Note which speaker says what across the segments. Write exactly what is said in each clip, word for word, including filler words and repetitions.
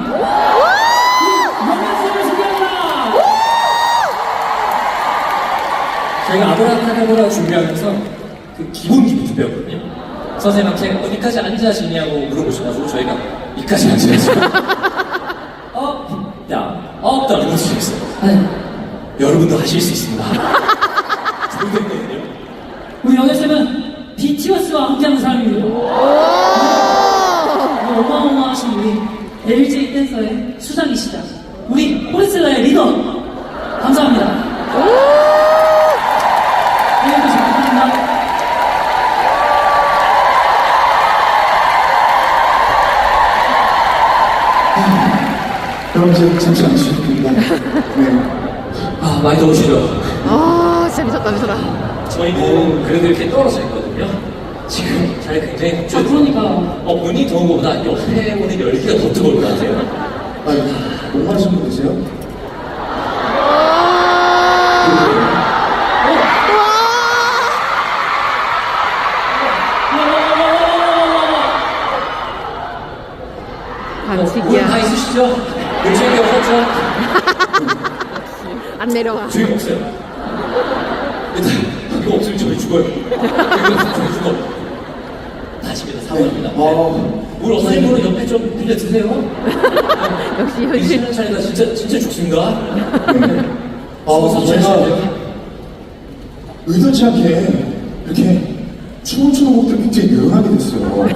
Speaker 1: 연습을 소개합니다.
Speaker 2: 저희가 아브라카다브라 준비하면서 그 기본기부터 배웠거든요. 선생님한테 어디까지 앉아지냐고 물어보셔가지고 저희가 이까지 앉아야죠. 어, 야, 어, 나 이거 주셨어요.
Speaker 1: 네.
Speaker 2: 여러분도 하실 수 있습니다. 좋겠거든요.
Speaker 1: 우리 연애쌤은 비티에스와 함께하는 사람입니다. 어마어마하신 우리 엘제이 댄서의 수장이시다. 우리 포레슬라의 리더. 감사합니다. 오늘도 잘 부탁드립니다.
Speaker 3: 여러분 이제 잠시 앉으셔도 됩니다. 네.
Speaker 2: 아, 많이 더우시죠?
Speaker 4: 아, 진짜 미쳤다, 미쳤다.
Speaker 2: 저희는 그래도 이렇게 떨어져 있거든요. 지금 잘 굉장히
Speaker 1: 아, 그러니까.
Speaker 2: 어, 문이 더운 것보다 옆에 오는 열기가 더 뜨거울 것 같아요.
Speaker 3: 아니, 못 마신 분 계세요?
Speaker 2: 물 다
Speaker 4: 반칙이야.
Speaker 2: 있으시죠? 요즘에 없었죠?
Speaker 4: 안 내려가.
Speaker 2: 저희 없어요. 일단 이거 없으면 저희 죽어요. 이거 없으면 저희 죽어. 다시입니다. 사과합니다.
Speaker 3: 어,
Speaker 2: 물 없으신 분은 옆에 좀 빌려 드세요.
Speaker 4: 역시
Speaker 2: 이
Speaker 4: 현실.
Speaker 2: 시간 차이가 진짜 진짜 죽습니다.
Speaker 3: 어,
Speaker 2: 서서
Speaker 3: 제가
Speaker 2: 차리셔야
Speaker 3: 의도치 않게 이렇게 춤을 추는 곡들 굉장히 늘어나게 됐어요.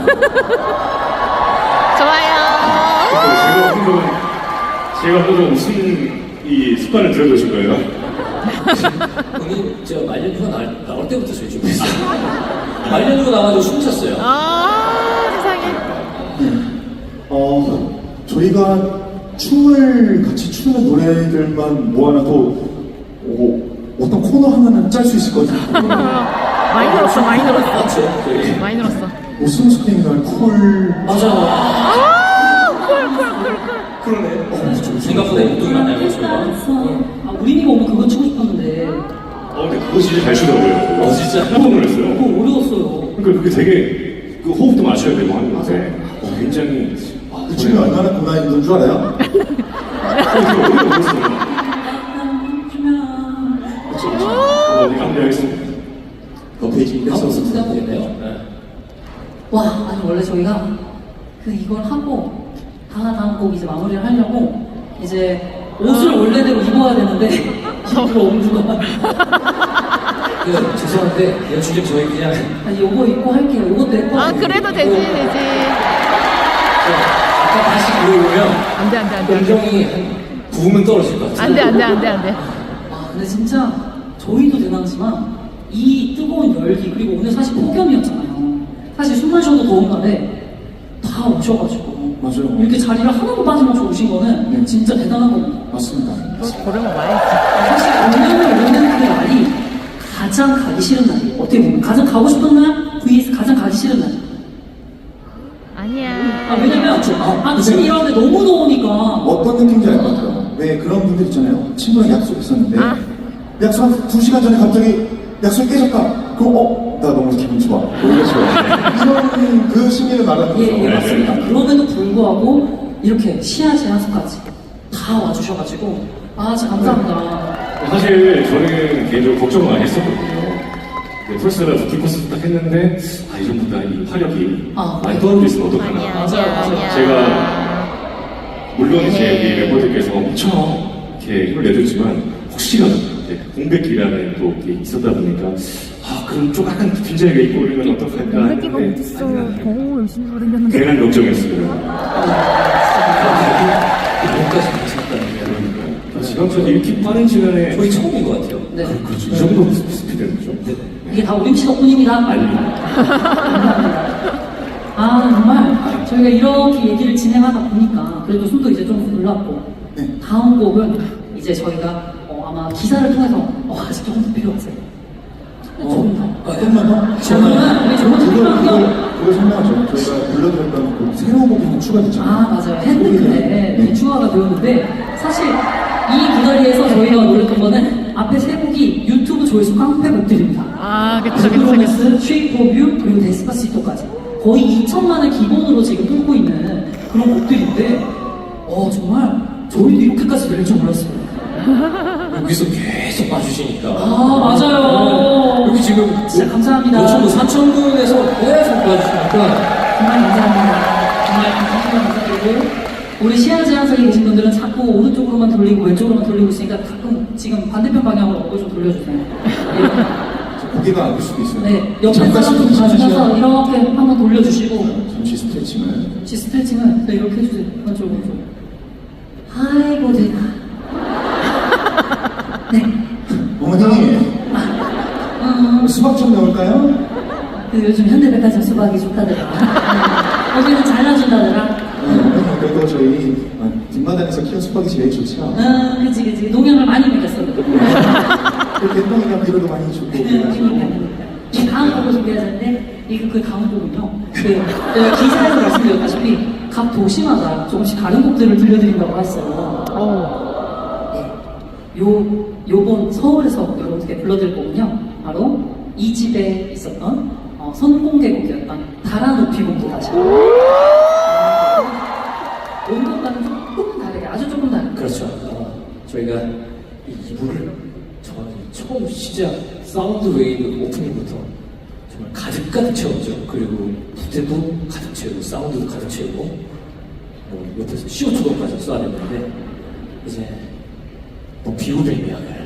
Speaker 4: 좋아요.
Speaker 5: 제가 한번 제가 한번 무슨 이 습관을 들여두신 거예요?
Speaker 2: 오늘 제가 말년휴가 나올, 나올 때부터 저희 준비했어요. 말년휴가 나와가지고 춤췄어요.
Speaker 4: 아, 세상에.
Speaker 3: 어, 저희가 춤을 같이 추는 노래들만 모아놔도 어, 어떤 코너 하나는 짤 수 있을 것 같아요.
Speaker 4: 많이 늘었어, 많이 늘었어.
Speaker 2: 맞죠? 저희.
Speaker 4: 많이 늘었어.
Speaker 3: 웃음 스크린날 쿨.
Speaker 2: 맞아.
Speaker 4: 아, 쿨, 쿨, 쿨, 쿨.
Speaker 2: 그러네. 어, 좀 생각보다 운동이 많나요, 저희가?
Speaker 1: 아, 우린이가 오면 그거 치고 싶었는데.
Speaker 5: 어, 근데 그거 진짜 잘 추더라고요.
Speaker 2: 어, 진짜?
Speaker 5: 깜짝 놀랐어요.
Speaker 1: 그거 어려웠어요.
Speaker 5: 그러니까 그게 되게 그 호흡도 맞춰야 되고 하는 건데 어, 굉장히 아,
Speaker 3: 그 춤이 얼마나 고난이 있는 줄 알아요?
Speaker 5: 어려웠어요. 그렇죠, 그렇죠. 어, 네, 감사하겠습니다.
Speaker 2: 그 페이지 한번 쓰면 되겠네요. 네.
Speaker 1: 와, 아니 원래 저희가 그 이걸 하고 다 다음 곡 이제 마무리를 하려고 이제 옷을 원래대로 입어야 되는데 일부러 옮주가
Speaker 2: 그, 죄송한데 연출님 저희 그냥
Speaker 1: 아니 요거 입고 할게요. 요것도 예뻐요.
Speaker 4: 아, 그래도 되지, 되지.
Speaker 2: 아까 다시 들어오면
Speaker 4: 안 돼, 안 돼, 안 돼.
Speaker 2: 감정이 한 부으면 떨어질 것 같아요.
Speaker 4: 안 돼, 안 돼, 안 돼, 안 돼.
Speaker 1: 아, 근데 진짜 저희도 대단하지만 이 뜨거운 열기 그리고 오늘 사실 폭염이었잖아요. 사실 숨만 쉬어도 더운 날에 다 오셔가지고
Speaker 3: 맞아요.
Speaker 1: 이렇게 자리를 하나도 빠짐없이 오신 거는
Speaker 3: 네.
Speaker 1: 진짜 대단한 겁니다.
Speaker 3: 맞습니다.
Speaker 4: 그걸 고르면 와야지.
Speaker 1: 사실 공연을 오는 그 날이 가장 가기 싫은 날이에요. 어떻게 보면 가장 가고 싶은 날 vs 가장 가기 싫은 날.
Speaker 4: 아니야.
Speaker 1: 아, 왜냐면
Speaker 3: 아,
Speaker 1: 아침
Speaker 3: 근데-
Speaker 1: 일어나는데 너무 더우니까.
Speaker 3: 어떤 느낌인지 알 것 같아요. 왜 그런 분들 있잖아요. 친구랑 약속했었는데
Speaker 4: 아.
Speaker 3: 약속 한 두 시간 전에 갑자기 약속이 깨졌다. 그럼 어? 나 너무 기분 좋아. 오히려 좋아. 이런 그 심리를 말하는 거죠.
Speaker 1: 예, 예, 맞습니다. 그럼에도 불구하고 이렇게 시야 제한소까지 다 와주셔가지고 아, 진짜 감사합니다.
Speaker 5: 사실 저는 개인적으로 걱정 많이 했었거든요. 펄스가 부키코스 딱 했는데 아 이전보다 이 화력이
Speaker 1: 아,
Speaker 5: 많이
Speaker 1: 네.
Speaker 5: 떨어져 있으면 어떡하나.
Speaker 4: 아니야,
Speaker 1: 맞아요,
Speaker 4: 아니야,
Speaker 1: 맞아요.
Speaker 4: 아니야.
Speaker 5: 제가 물론 이제
Speaker 4: 네.
Speaker 5: 우리 멤버들께서 엄청 이렇게 힘을 내줬지만 혹시라도 이제 공백기라는 또 게 있었다 보니까 아 그럼 좀 약간 빈자리가 있고 그러면 어떡할까
Speaker 4: 공백기가
Speaker 5: 했는데
Speaker 4: 어딨어. 더 열심히 돌아다녔는데.
Speaker 5: 괜한 걱정이었어요.
Speaker 2: 여기까지 괜찮다는 게
Speaker 5: 그러니까 지금까지 이렇게 빠른 시간에
Speaker 2: 거의 처음인 것 같아요.
Speaker 1: 네.
Speaker 5: 그렇죠. 이 정도 스피드는 거죠.
Speaker 1: 이게 다 우림 씨 덕분입니다.
Speaker 5: 아닙니다.
Speaker 1: 아, 정말 저희가 이렇게 얘기를 진행하다 보니까 그래도 숨도 이제 좀 올랐고
Speaker 3: 네.
Speaker 1: 다음 곡은 이제 저희가 어, 아마 기사를 통해서 어, 아직 조금 더 필요하세요. 조금 더.
Speaker 2: 아,
Speaker 3: 조금만 더?
Speaker 1: 저는 우리 조금 더
Speaker 3: 그걸,
Speaker 1: 필요하고요.
Speaker 3: 그걸, 그걸 설명하죠. 저희가 불러드렸던 그 새로운 곡이 하나 추가됐잖아요.
Speaker 1: 아, 맞아요. 핸드크랩
Speaker 3: 네.
Speaker 1: 네. 추가가 되었는데 사실 이 무다리에서 저희가 노렸던 거는 앞에 세 곡이 유튜브 조회수 깡패 곡들입니다.
Speaker 4: 아, 그쵸, 그쵸, 그쵸.
Speaker 1: 프로미스, 쉐이프 오브 유, 그리고 데스파시토까지 거의 이천만을 기본으로 지금 뚫고 있는 그런 곡들인데 어 정말 저희도 이렇게까지 들릴 줄 몰랐어요.
Speaker 2: 여기서 계속 봐주시니까.
Speaker 1: 아 맞아요.
Speaker 2: 여기 지금
Speaker 1: 진짜 감사합니다.
Speaker 2: 요청도 사천군에서 계속 봐주시니까.
Speaker 1: 정말 감사합니다. 정말 감사드리고 우리 시야 제한석에 계신 분들은 자꾸 오른쪽으로만 돌리고 왼쪽으로만 돌리고 있으니까 가끔 지금 반대편 방향으로 얼굴 좀 돌려주세요. 이렇게.
Speaker 3: 고개가 아플 수도 있어요.
Speaker 1: 네, 옆에
Speaker 3: 잠깐
Speaker 1: 사람도
Speaker 3: 스트레칭
Speaker 1: 봐주셔서
Speaker 3: 하시죠.
Speaker 1: 이렇게 한번 돌려주시고
Speaker 3: 잠시 스트레칭을.
Speaker 1: 혹시 스트레칭은 네, 이렇게 해주세요. 왼쪽 왼쪽. 아이고 제가. 네.
Speaker 3: 어머니,
Speaker 1: 음,
Speaker 3: 수박 좀 넣을까요?
Speaker 1: 그 요즘 현대백화점 수박이 좋다더라. 거기는 잘라준다더라.
Speaker 3: 네, 어머니, 그래도 저희 아, 뒷마당에서 키운 수박이 제일 좋죠.
Speaker 1: 응, 그치 그치. 농약을 많이 먹였어.
Speaker 3: 이렇게 똥이나 비료도 많이 주고. 그래가지고.
Speaker 1: 이 다음 곡을 소개해야 되는데, 이거 그 다음 곡은요. 그, 제가 기사에서 말씀드렸다시피, 각 도시마다 조금씩 다른 곡들을 들려드린다고 했어요.
Speaker 4: 어.
Speaker 1: 네. 요, 요번 서울에서 여러분께 불러드릴 곡은요. 바로 이 집에 있었던 어, 선공개곡이었던 달아 높이 곡도 다시. 온것과는 조금 다르게, 아주 조금 다르게.
Speaker 2: 그렇죠. 어, 저희가 이 이부를 저는 처음 시작 사운드 웨이브 오프닝부터 정말 가득 가득 채웠죠. 그리고 부태도 가득 채우고 사운드도 가득 채우고 뭐 옆에서 씨오투까지 써야 됐는데 이제 뭐 비우는 이야기를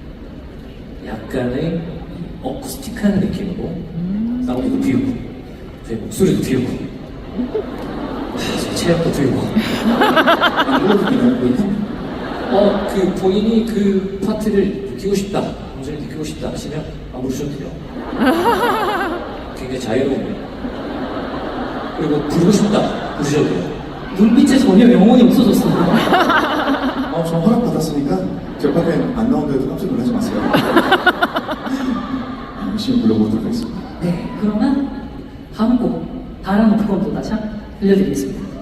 Speaker 2: 약간의 어쿠스틱한 느낌으로 사운드도 비우고 저희 목소리도 비우고 아, 제 체력도 비우고
Speaker 3: 이거 그냥
Speaker 2: 어, 그 본인이 그 파트를 느끼고 싶다, 완전히 느끼고 싶다 하시면 안 부르셔도 돼요. 굉장히 자유로운. 그리고 부르고 싶다, 부르셔도 돼요.
Speaker 1: 눈빛에 전혀 영혼이 없어졌어요.
Speaker 3: 어, 저 허락 받았으니까 결과엔 안 나온데도 깜짝 놀라지 마세요. 열심히 불러보도록 하겠습니다.
Speaker 1: 네, 그러면 다음 곡 달아 높은 또 다시 들려드리겠습니다.